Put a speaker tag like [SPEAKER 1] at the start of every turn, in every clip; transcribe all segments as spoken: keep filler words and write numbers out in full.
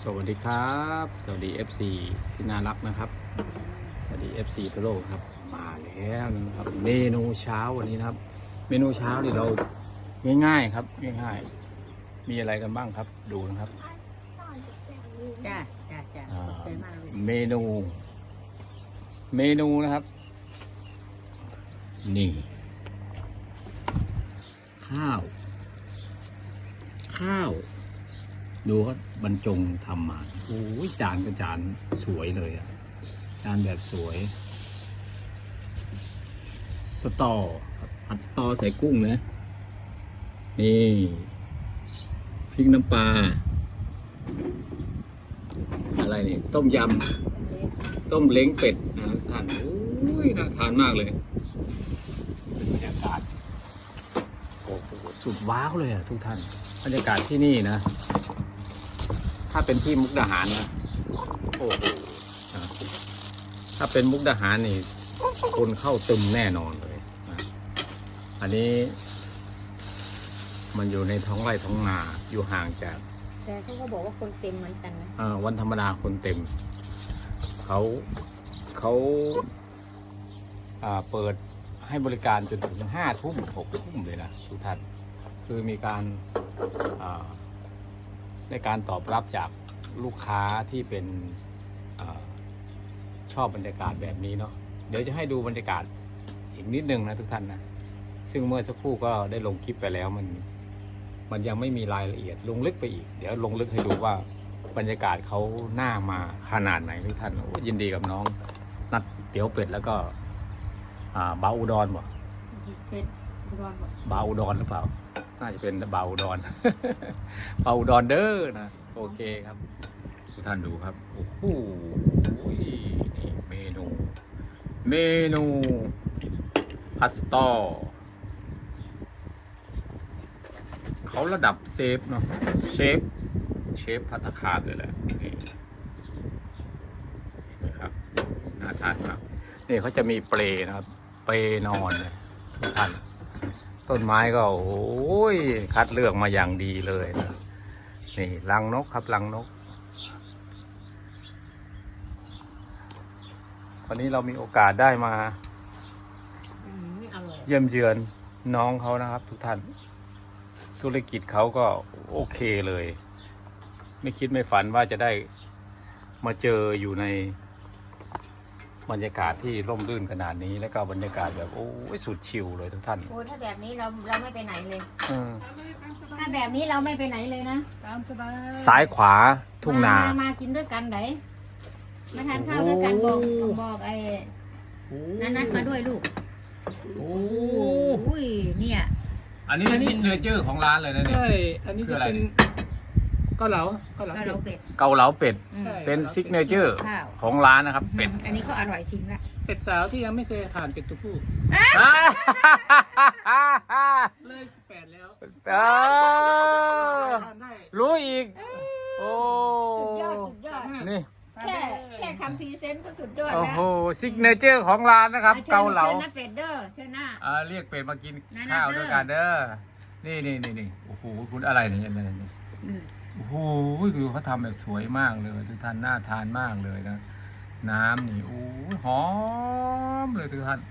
[SPEAKER 1] สวัสดีครับสวัสดี เอฟ ซี ที่น่ารักนะครับสวัสดี เอฟ ซี ทั่วโลกครับมาแล้วนะครับเมนูเช้าวันนี้นะครับ เมนูเช้าที่เราง่ายๆครับง่ายๆมีอะไรกันบ้างครับดูนะครับ
[SPEAKER 2] จ้าจ้าจ้า
[SPEAKER 1] อ่า
[SPEAKER 2] ขอบใจมากเลย
[SPEAKER 1] เมนู เมนูนะครับ นี่ ข้าว ข้าว ดูเขาบรรจงทำมาโอ้ยจานก็จานสวยเลยอ่ะจานแบบสวย สตอครับผัดสตอใส่กุ้งนะนี่พริกน้ำปลาอะไรนี่ต้มยำต้มเล้งเป็ดนะท่านโอ้ยน่าทานมากเลยบรรยากาศโอ้โหสุดว้าวเลยอ่ะทุกท่านบรรยากาศที่นี่นะถ้าเป็นที่มุกดาหารนะโอ้โหถ้าเป็นมุกดาหารนี่คนเข้าตึมแน่นอนเลยนะอันนี้มันอยู่ในท้องไร่ท้องนาอยู่ห่างจาก
[SPEAKER 2] แต่เขาก็บอกว่าคนเต็มเหมือนกันนะ
[SPEAKER 1] อ่าวันธรรมดาคนเต็มเขาเขาอ่าเปิดให้บริการจนถึงห้าทุ่มหกทุ่มเลยนะทุกท่านคือมีการอ่าในการตอบรับจากลูกค้าที่เป็นอาชอบบรรยากาศแบบนี้เนาะเดี๋ยวจะให้ดูบรรยากาศอีกนิดนึงนะทุกท่านนะซึ่งเมื่อสักครู่ก็ได้ลงคลิปไปแล้วมันมันยังไม่มีรายละเอียดลงลึกไปอีกเดี๋ยวลงลึกให้ดูว่าบรรยากาศเขาหน้ามาขนาดไหนทุกท่านโอ้ยินดีกับน้องนัดเตี๋ยวเป็ดแล้วก็อ่าบาอุดรบ่
[SPEAKER 2] เป็ดร้อนหมด
[SPEAKER 1] บาอุดรหรือเปล่าน่าจะเป็นบาอุดร บาอุดรเด้อนะโอเคครับทุกท่านดูครับโอ้โหนี่เมนู เมนูพัสตอเขาระดับเซฟเนาะเชฟเชฟภัตตาคารเลยแหละนี่นะครับน่าทานมากนี่เขาจะมีเปลนะครับเปลนอนเลยทุกท่านต้นไม้ก็โอ้ยคัดเลือกมาอย่างดีเลยนะนี่รังนกครับรังนกวันนี้เรามีโอกาสได้มา
[SPEAKER 2] อืมอร่อย
[SPEAKER 1] เยี่ยมเยือนน้องเขานะครับทุกท่านธุรกิจเขาก็โอเคเลย ไม่คิดไม่ฝันว่าจะได้มาเจออยู่ในบรรยากาศที่ร่มรื่นขนาดนี้แล้วก็บรรยากาศแบบโอ้ยสุดชิลเลยทุกท่าน
[SPEAKER 2] โอ้ถ้าแบบนี้เราเราไม่ไปไหนเลย
[SPEAKER 1] เออ
[SPEAKER 2] ถ้าแบบนี้เราไม่ไปไหนเลยนะ
[SPEAKER 1] ซ้ายขวาทุ่งนา
[SPEAKER 2] มามากินด้วยกันไหนมาทานข้าวด้วยกันบอกบอกไอ้นันนัดมาด้วยลูก
[SPEAKER 1] โอ้
[SPEAKER 2] โอ้ยเนี่ย
[SPEAKER 1] อันนี้ซิกเนเจอร์ของร้านเลยนะเนี่ย
[SPEAKER 3] ใช่ อันนี้
[SPEAKER 1] คือ
[SPEAKER 3] จะ
[SPEAKER 1] อะไร
[SPEAKER 3] เป็นเกาเหลาเกาเหลา
[SPEAKER 2] ก็เรา
[SPEAKER 3] เป็ด
[SPEAKER 2] เป็ด
[SPEAKER 1] เกาเหลาเป็ด
[SPEAKER 2] อืม
[SPEAKER 3] ใช่
[SPEAKER 1] เป็นซิกเนเจอร์
[SPEAKER 2] ข้าว
[SPEAKER 1] ของร้านนะครับเป็ด
[SPEAKER 2] อันนี้ก็อร่อยจริงละ
[SPEAKER 3] เป็ดสาวที่ยังไม่เคยทานเป็ดตัวผู้เลยสิบแปดแล้ว
[SPEAKER 1] อ้าว
[SPEAKER 3] ทานได้
[SPEAKER 1] รู้อีก โอ้
[SPEAKER 2] สุดยอดสุดยอด
[SPEAKER 1] นี่
[SPEAKER 3] ทาน
[SPEAKER 2] แค่
[SPEAKER 3] ได้
[SPEAKER 2] แค่คำพรีเซนต์ก็สุดยอด
[SPEAKER 1] โอ้
[SPEAKER 2] แล้ว
[SPEAKER 1] โหซิกเนเจอร์ของร้านนะครับ เกาเหลา
[SPEAKER 2] ชิญนะเป็ดเด้อเชิญหน้า
[SPEAKER 1] อ่าเรียกเป็ดมากิน
[SPEAKER 2] นั่นๆ
[SPEAKER 1] ข้าว
[SPEAKER 2] เด้อ
[SPEAKER 1] ด้วยกันเด้อ นี่นี่นี่นี่โอ้โหคุณอะไรเนี่ยอะไรนี่โอ้โหคือเขาทำแบบสวยมากเลยทุกท่านน่าทานมากเลยนะ น้ำนี่โอ้ยหอมเลยทุกท่าน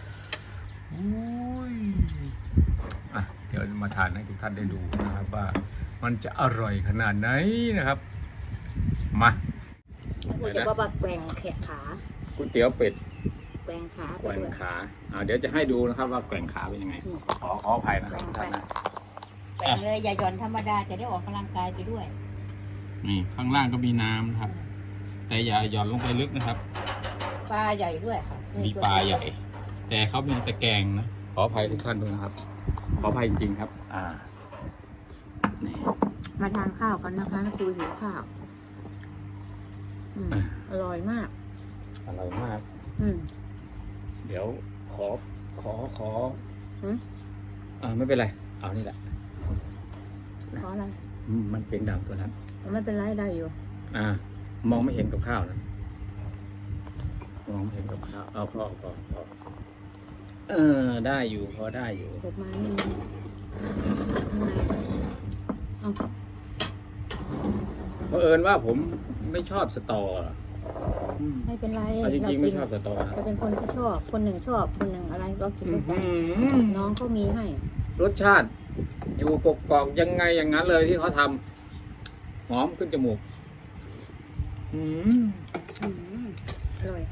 [SPEAKER 1] อุ้ยอ่ะเดี๋ยวมาทานให้ทุกท่านได้ดูนะครับว่ามันจะอร่อยขนาดไหนนะครับ มา
[SPEAKER 2] กูจะบอกว่าแกว่งแขนขา
[SPEAKER 1] ก๋วยเตี๋ยวเป็ด
[SPEAKER 2] แกว่งขา
[SPEAKER 1] แกว่งขาอ่าเดี๋ยวจะให้ดูนะครับว่าแกว่งขาเป็นยังไง ขอขออภัยนะครับทุกท่านนะ
[SPEAKER 2] แกว่งเลยอย่าหย่อนธรรมดาจะได้ออกกำลังกายไปด้วย
[SPEAKER 1] นี่ข้างล่างก็มีน้ำนะครับ แต่อย่าหย่อนลงไปลึกนะครับ
[SPEAKER 2] ปลาใหญ่ด้วยค่ะ
[SPEAKER 1] มีปลาใหญ่ แต่เขามีตะแกรงนะ ขออภัยทุกท่านด้วยนะครับ ขออภัยจริงๆครับ อ่านี่
[SPEAKER 2] มาทานข้าวกันนะคะครูหิวข้าวอืมอร่อยมาก
[SPEAKER 1] อร่อยมาก
[SPEAKER 2] อืม
[SPEAKER 1] เดี๋ยวขอขอขอ
[SPEAKER 2] หืม
[SPEAKER 1] อ่าไม่เป็นไร เอานี่แหละ
[SPEAKER 2] ขออะไร
[SPEAKER 1] อืมมันเป็นดังตัวนั้น
[SPEAKER 2] ไม่เป็นไรได้อยู่
[SPEAKER 1] อ่า มองไม่เห็นกับข้าวนะมองไม่เห็นกับข้าวเอาพอพอพอเออได้อยู่พอได้อยู่
[SPEAKER 2] เกิดมานี่เอา
[SPEAKER 1] เพราะเอิญว่าผมไม่ชอบสตออืม
[SPEAKER 2] ไม่เป็นไร
[SPEAKER 1] เอาจริงๆไม่ชอบสตอนะ
[SPEAKER 2] จะเป็นคนที่ชอบคนหนึ่งชอบคนหนึ่งอะไรก็กินด้วยกัน
[SPEAKER 1] อื้อหือ
[SPEAKER 2] น้องเขามีให้
[SPEAKER 1] รสชาติ อยู่กกอกๆยังไงอย่างนั้นเลยที่เขาทำหอมขึ้นจมูกอืม
[SPEAKER 2] อืมอร่อย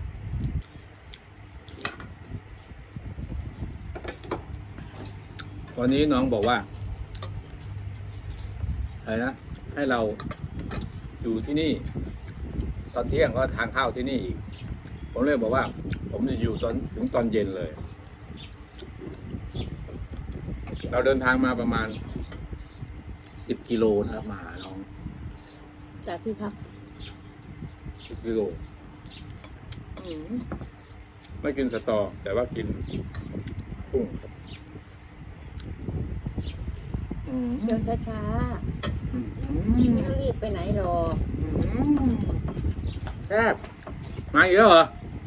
[SPEAKER 1] วันนี้น้องบอกว่าอะไรนะให้เราอยู่ที่นี่ ตอนเที่ยงก็ทานข้าวที่นี่อีกผมเลยบอกว่า ผมจะอยู่ตอนถึงตอนเย็นเลย เราเดินทางมาประมาณสิบกิโลนะครับมาหาน้อง
[SPEAKER 2] จากที่พัก
[SPEAKER 1] สิบกิโลไม่กินสตอ แต่ว่ากินกุ้งครับอืม
[SPEAKER 2] เดินช้า
[SPEAKER 1] อืม
[SPEAKER 2] ๆไม่ต้องรีบไปไหนหรอก
[SPEAKER 1] แซ่บมาอีกแล้วเหรอ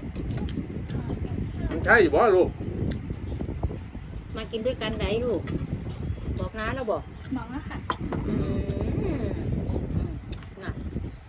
[SPEAKER 1] มันใช่อยู่บ่ลูก
[SPEAKER 2] มากินด้วยกันไหนลูก บอกน้าแล้วบอก
[SPEAKER 4] บอกแล้วค่ะ
[SPEAKER 2] อืมน่ะ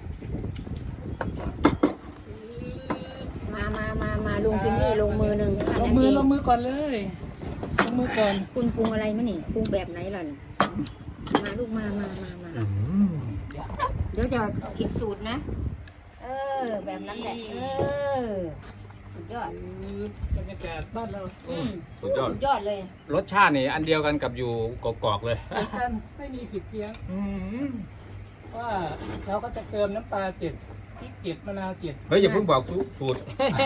[SPEAKER 2] มามามามาลุงกินนี่ลงมือหนึ่ง
[SPEAKER 3] ลงมือลงมือก่อนเลยลงมือก่อน
[SPEAKER 2] คุณปรุงอะไรมั้ยนี่ปรุงแบบไหนล่ะนี่มาลูกมามามามาเดี๋ยวจะคิดสูตรนะ เออ แบบนั้นแหละ เออ สุดยอด
[SPEAKER 3] บรรยากาศบ้านเรา
[SPEAKER 2] อืม
[SPEAKER 1] สุดยอด
[SPEAKER 2] สุดยอดเลย
[SPEAKER 1] รสชาตินี่อันเดียวกันกับอยู่กอกๆเลย
[SPEAKER 3] ท่านไม่มีผิดเพี้ยนว่าเราก็จะเติมน้ำปลาเจ็ดพริกเจ็ดมะนาวเจ็ด
[SPEAKER 1] เฮ้ยอย่าเพิ่งบอกสูตร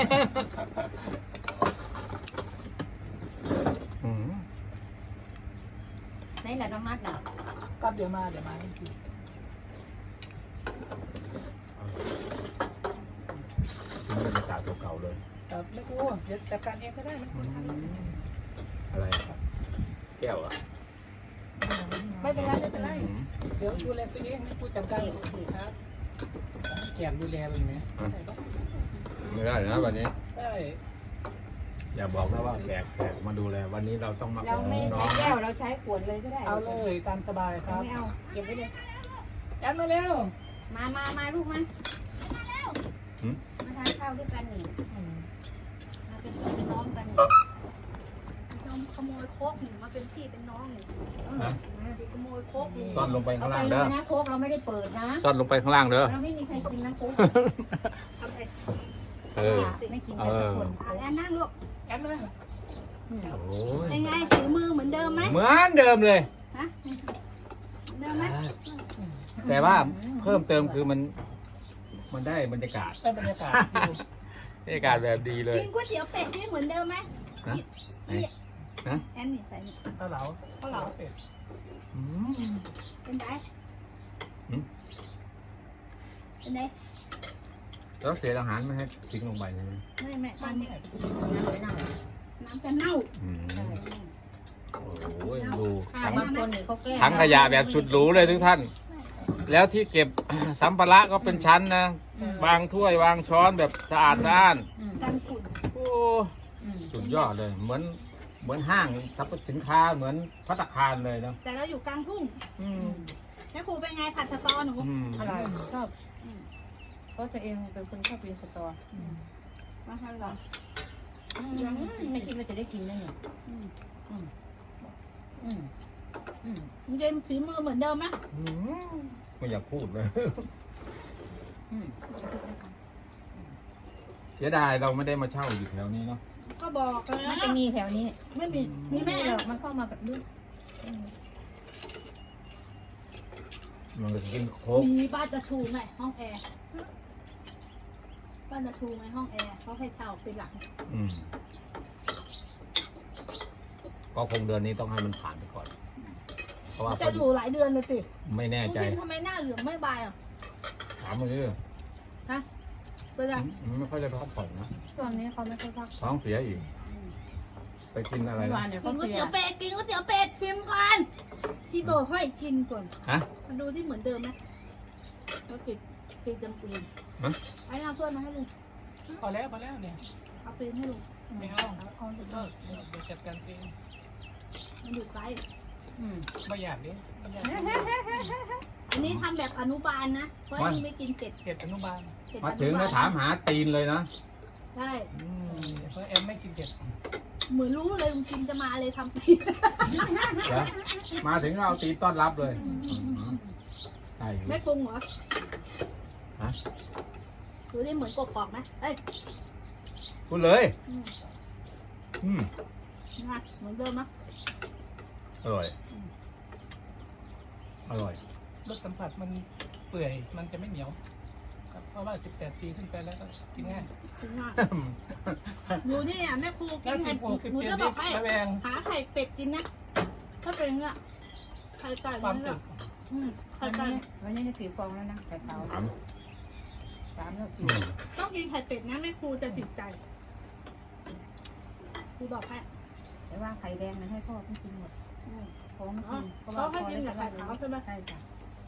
[SPEAKER 1] อืม
[SPEAKER 2] ไหนล่ะน้องนัดล่ะ
[SPEAKER 3] ก็เดี๋ยวมาเดี๋ยวมาให้กิน
[SPEAKER 1] บรรยากาศเก่าๆเลย
[SPEAKER 3] แต่ไม่กลัวเดี๋ยวจัดการเองก็ได้มัน
[SPEAKER 1] อะไรครับแก้วอ่ะ
[SPEAKER 3] ไม่เป็นไรไม่เป็นไรเดี๋ยวดูแลตัวเองให้ผู้จัดการครับแกมดูแลเลยไหม
[SPEAKER 1] ไม่ได้นะวันนี้
[SPEAKER 3] ได้
[SPEAKER 1] อย่าบอกนะว่าแขกแขกมาดูแลวันนี้เราต้องมา
[SPEAKER 2] เราไม่
[SPEAKER 1] น้
[SPEAKER 2] ใช้
[SPEAKER 1] อง
[SPEAKER 2] แก้วเราใช้ขวดเลยก็ได้
[SPEAKER 3] เอาเลยตามสบายค
[SPEAKER 2] เรา
[SPEAKER 3] รับ
[SPEAKER 2] ไม่เอาเก็บไว้เลย
[SPEAKER 3] ยันมาเร็ว
[SPEAKER 2] มามามาลูกมามาทานข้าวด้วยกันนี่มาเป็นพี่เป็นน้องกันนี่
[SPEAKER 4] ยอมขโมยโคกหนูมาเป็นพี่เป็นน้องหนู
[SPEAKER 1] นะ
[SPEAKER 4] ขโมยโคกหนู
[SPEAKER 1] ซ่อนลงไป
[SPEAKER 2] เอา
[SPEAKER 1] ข้าง
[SPEAKER 2] ไป
[SPEAKER 1] ล่าง
[SPEAKER 2] เล
[SPEAKER 1] เด้อย
[SPEAKER 2] นะโค้กเราไม่ได้เปิดนะ
[SPEAKER 1] ซ่อนลงไปข้างล่างเด้อ
[SPEAKER 2] เราไม่มีใครกินนะโค้ก
[SPEAKER 4] ทำไง
[SPEAKER 1] เออ
[SPEAKER 2] ไม่กินกันทุกคน
[SPEAKER 4] อ่ะงั้นนั่งลูก
[SPEAKER 3] ยันมา
[SPEAKER 2] อืม
[SPEAKER 1] โอ้ย
[SPEAKER 4] ยังไงถือมือเหมือนเดิมไหม
[SPEAKER 1] เหมือนเดิมเลย
[SPEAKER 4] ฮะเหมือนเดิมไหม
[SPEAKER 1] แต่ว่าเพิ่มเติมคือมัน มันได้บรรยากาศ
[SPEAKER 3] ได้บรรยากาศอยู่
[SPEAKER 1] บรรยากาศแบบดีเลย
[SPEAKER 4] กินก๋วยเตี๋ยวเป็ดนี่เหมือนเดิมไหม
[SPEAKER 1] ฮะ
[SPEAKER 4] นี่
[SPEAKER 1] ฮะ
[SPEAKER 4] แอนนี่ใส่นี่
[SPEAKER 3] เกาเหลา
[SPEAKER 4] เกาเหลา
[SPEAKER 3] เป็ด
[SPEAKER 1] อืม
[SPEAKER 4] เป็นไง
[SPEAKER 1] หืม
[SPEAKER 4] เป็นไง
[SPEAKER 1] แล้วเสียอาหารไม่ให้ทิ้งลงไปใช่ไหม
[SPEAKER 4] ไม่ไม่ตอนนี้
[SPEAKER 2] น้ำไปนั่ง
[SPEAKER 4] น้ำจะเน่า
[SPEAKER 1] อืมโอ้ยดู
[SPEAKER 2] ข้า
[SPEAKER 1] ทั้ง
[SPEAKER 2] บางคนนี่เขาแกล้ง
[SPEAKER 1] ทั้งขยะแบบสุดหรูเลยทุกท่าน แล้วที่เก็บ สัมภาระก็เป็นชั้นนะ วางถ้วยวางช้อนแบบสะอาดสะอ้าน
[SPEAKER 2] อืม
[SPEAKER 4] กันฝุ่น
[SPEAKER 1] โอ้
[SPEAKER 2] อืม
[SPEAKER 1] สุดยอดเลย เหมือน เหมือนห้างสรรพสินค้าเหมือนพัตตาคารเลยเนาะ
[SPEAKER 4] แต่เราอยู่กลางทุ่ง
[SPEAKER 1] อืม
[SPEAKER 4] แม่ครูเป็นไงผัดสตอหนู
[SPEAKER 1] อืม
[SPEAKER 3] อะไรชอบ
[SPEAKER 2] เพราะตัวเองเป็นคนชอบกินสตอ
[SPEAKER 4] มาให้เรา
[SPEAKER 2] ไม่คิดว่าจะได้กินได้เนี่ยอืมอืมอืมอืม
[SPEAKER 4] มันจะฝีมือเหมือนเดิมไหม
[SPEAKER 1] อืมไม่อยากพูดเลย
[SPEAKER 2] อืม
[SPEAKER 1] เสียดายเราไม่ได้มาเช่าอยู่แถวนี้เนาะ
[SPEAKER 4] ก็บอกแล้
[SPEAKER 2] มัน
[SPEAKER 4] ว
[SPEAKER 2] จะมีแถวนี้
[SPEAKER 4] ไม่มีมี
[SPEAKER 2] ไม่
[SPEAKER 4] แม่
[SPEAKER 2] หรอกมันเข้ามาแบบนี้อืม
[SPEAKER 1] มันก็จะกินโค้ก
[SPEAKER 4] มีบ้านตะชูไงห้องแอร์บ้านตะชูไงห้องแอร์เขาให้เช่าเป็นหลัก
[SPEAKER 1] อืมก็คงเดือนนี้ต้องให้มันผ่านไปก่อน เพราะว่า
[SPEAKER 4] จะอยู่หลายเดือนเลยสิ
[SPEAKER 1] ไม่แน่ใจ
[SPEAKER 4] คุณทำไมหน้าเหลืองไม่บายอ่ะ
[SPEAKER 1] ถามมาดิ
[SPEAKER 4] เป็นไร
[SPEAKER 1] มันไม่ค่อยได้พักผ่อนนะ
[SPEAKER 2] ช่วงนี้เขาไม่ค่อยพัก
[SPEAKER 1] ท้องเสียอีก ไปกินอะไร
[SPEAKER 2] เมื่อ
[SPEAKER 1] นะ
[SPEAKER 2] วานเนี่ย
[SPEAKER 4] กิ
[SPEAKER 2] เขา
[SPEAKER 4] นก๋วย
[SPEAKER 2] เสีย
[SPEAKER 4] เตี๋ยวเป็ดกินก๋วยเตี๋ยวเป็ดชิมก่อนที่บอกให้กินก่อน
[SPEAKER 1] ฮะ
[SPEAKER 4] มาดูที่เหมือนเดิมไหมแล้วกินกินจำปีน
[SPEAKER 1] ฮะ
[SPEAKER 4] ไอ้น้ำถ้วยมาให้ลุง
[SPEAKER 3] พอแล้วพอแล้วเนี่ย
[SPEAKER 4] เอาปีนให้ลุง
[SPEAKER 3] ไม่เอาเอาเดี๋ยวก็เดี๋ยวจัดการเอง
[SPEAKER 4] มันอยู่ไกล
[SPEAKER 2] อืม
[SPEAKER 3] ไม่อยากดิไม่อยาก
[SPEAKER 4] เอันนี้ทำแบบอนุบาลนะ เพราะนี่ไม่กินเผ็ด
[SPEAKER 3] เก็บอนุบาล
[SPEAKER 4] เผ็ด
[SPEAKER 1] มา
[SPEAKER 4] อ
[SPEAKER 1] ถึง
[SPEAKER 4] นุบา
[SPEAKER 1] ก็
[SPEAKER 4] ล
[SPEAKER 1] ถามหาตีนเลยนะ
[SPEAKER 4] ใช่
[SPEAKER 3] อืมเพราะแอมไม่กินเก็บ
[SPEAKER 4] เหมือนรู้เลยลุงจิมจะมาเลยทำตี
[SPEAKER 1] เหรอมาถึงก็เอาตีนต้อนรับเลยใช่อยู่
[SPEAKER 4] ไม่ปรุงเหรอ
[SPEAKER 1] ฮะ
[SPEAKER 4] ดูนี่เหมือนกบกอกไหมเอ้ย
[SPEAKER 1] พูดเลย
[SPEAKER 4] อืม
[SPEAKER 1] อืม
[SPEAKER 4] นะเหมือนเดิมนะ
[SPEAKER 1] อร่อย อร่อย
[SPEAKER 3] รสสัมผัสมันเปื่อยมันจะไม่เหนียวครับเพราะว่าสิบแปดปีขึ้นไปแล้วก็กินง่าย
[SPEAKER 4] ถึงว่าหนูนี่อ่ะแม่ครูกิ
[SPEAKER 3] แล้ว
[SPEAKER 4] น
[SPEAKER 3] กิ
[SPEAKER 4] ไข่
[SPEAKER 3] นโอ้สิบ
[SPEAKER 4] หนู
[SPEAKER 3] เจ็ด
[SPEAKER 4] จะบ
[SPEAKER 3] นี่
[SPEAKER 4] อกให้
[SPEAKER 3] ระแวง
[SPEAKER 4] หาไข่เป็ดกินนะ ถ้าเป็นเงี้ยไข่ไก่
[SPEAKER 3] ความ
[SPEAKER 4] เนี่
[SPEAKER 3] สุ
[SPEAKER 4] ย
[SPEAKER 3] ข
[SPEAKER 4] อืมไข่
[SPEAKER 2] วัน
[SPEAKER 4] ไก่
[SPEAKER 2] นี้วันนี้ได้กี่ฟองแล้วนะไข่ขาว
[SPEAKER 1] สาม
[SPEAKER 2] สามแล้ว
[SPEAKER 1] อื
[SPEAKER 2] สี่
[SPEAKER 1] ม
[SPEAKER 4] ต้องกินไข่เป็ดนะแม่ครูจะจิตใจครูบอกให้
[SPEAKER 2] แต่ว่าไข่แดงนั้นให้พ่อไม่กินหมด
[SPEAKER 4] อืม
[SPEAKER 2] ท้องไม่
[SPEAKER 4] อ๋อ
[SPEAKER 2] กินเพราะ
[SPEAKER 4] เขา
[SPEAKER 2] ว่า
[SPEAKER 4] ให้กินกับไข่ขาวใช่ไหม
[SPEAKER 2] ใช่จ้ะ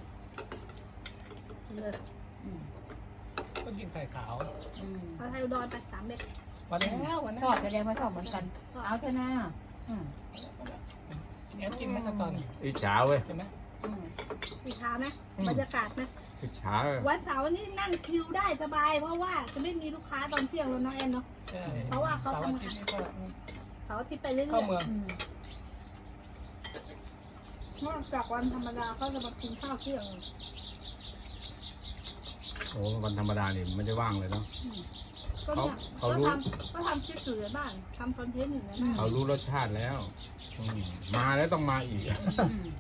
[SPEAKER 4] เลย
[SPEAKER 2] อืม
[SPEAKER 3] ก็กินไข่ขาว
[SPEAKER 2] อืม
[SPEAKER 4] เอาไทยอุดรไปสามเม็ด
[SPEAKER 3] วันแล้ววัน
[SPEAKER 2] ช
[SPEAKER 3] นั้
[SPEAKER 2] อบ
[SPEAKER 3] น
[SPEAKER 2] แสดงว่าชอบเหมือนกัน เอาเถอะนะอืม
[SPEAKER 3] แอมกินไหมตอน
[SPEAKER 1] อิจฉาเว้ย
[SPEAKER 3] ใช่ไหม
[SPEAKER 2] อืม
[SPEAKER 4] สีขาวไหม
[SPEAKER 1] อืม
[SPEAKER 4] บรรยากาศไหม
[SPEAKER 1] อิจฉา
[SPEAKER 4] วันเสาร์นี่นั่งคิวได้สบาย เพราะว่าจะไม่มีลูกค้าตอนเที่ยงแล้วเน้องแอนเนาะ
[SPEAKER 3] ใช่
[SPEAKER 4] เพราะว่าเขา
[SPEAKER 3] เสาร์
[SPEAKER 4] ทำ
[SPEAKER 3] อาทิตย์นี่ก็
[SPEAKER 4] เสาร์อาทิตย์ไปเรื่อย
[SPEAKER 3] เข้าเมือง
[SPEAKER 2] อืม
[SPEAKER 4] ๆนอกจากวันธรรมดาเขาจะมากินข้าวเที่ยง
[SPEAKER 1] โอ้วันธรรมดานี่ไม่ได้ว่างเลยเนาะ
[SPEAKER 4] ก็เนี่ย
[SPEAKER 1] เขา
[SPEAKER 4] ก็
[SPEAKER 1] รู้
[SPEAKER 4] ทำก็ทำคลิปอยู่ในบ้านทำคอนเทนต์อยู่ในบ้าน
[SPEAKER 1] เขารู้รสชาติแล้วอืมมาแล้วต้องมาอีก
[SPEAKER 2] อืม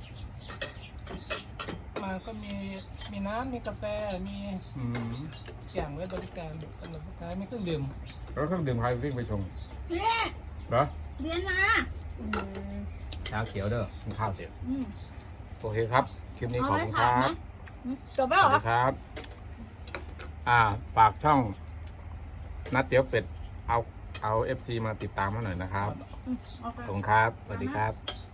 [SPEAKER 3] มาก็มีมีน้ำมีกาแฟมี
[SPEAKER 1] อืม
[SPEAKER 3] อย่างไว้บริการสำหรับลูกค้ามีเครื่องดื่ม
[SPEAKER 1] แล้วเครื่องดื่มใครวิ่งไปชง
[SPEAKER 4] เนี่ย
[SPEAKER 1] เหรอ
[SPEAKER 4] เรียนมา
[SPEAKER 2] อืม
[SPEAKER 1] ชาเขียวเด้อกินข้าวเสร็จ
[SPEAKER 4] อืม
[SPEAKER 1] โอเคครับ คลิปนี้
[SPEAKER 4] เอา
[SPEAKER 1] ขอบ
[SPEAKER 4] ไว้
[SPEAKER 1] คุณค
[SPEAKER 4] ถาม
[SPEAKER 1] รั
[SPEAKER 4] ไหม
[SPEAKER 1] บ
[SPEAKER 4] อืมจบแล้
[SPEAKER 1] ส
[SPEAKER 4] วเหร
[SPEAKER 1] วั
[SPEAKER 4] อ
[SPEAKER 1] สดีครับ อ่าฝากช่อง นัดเตี๋ยวเป็ด เอา เอาเอฟซีมาติดตามมาหน่อยนะครับ
[SPEAKER 4] อืมโอเค
[SPEAKER 1] ขอบคุณครับ สวัสดีครับ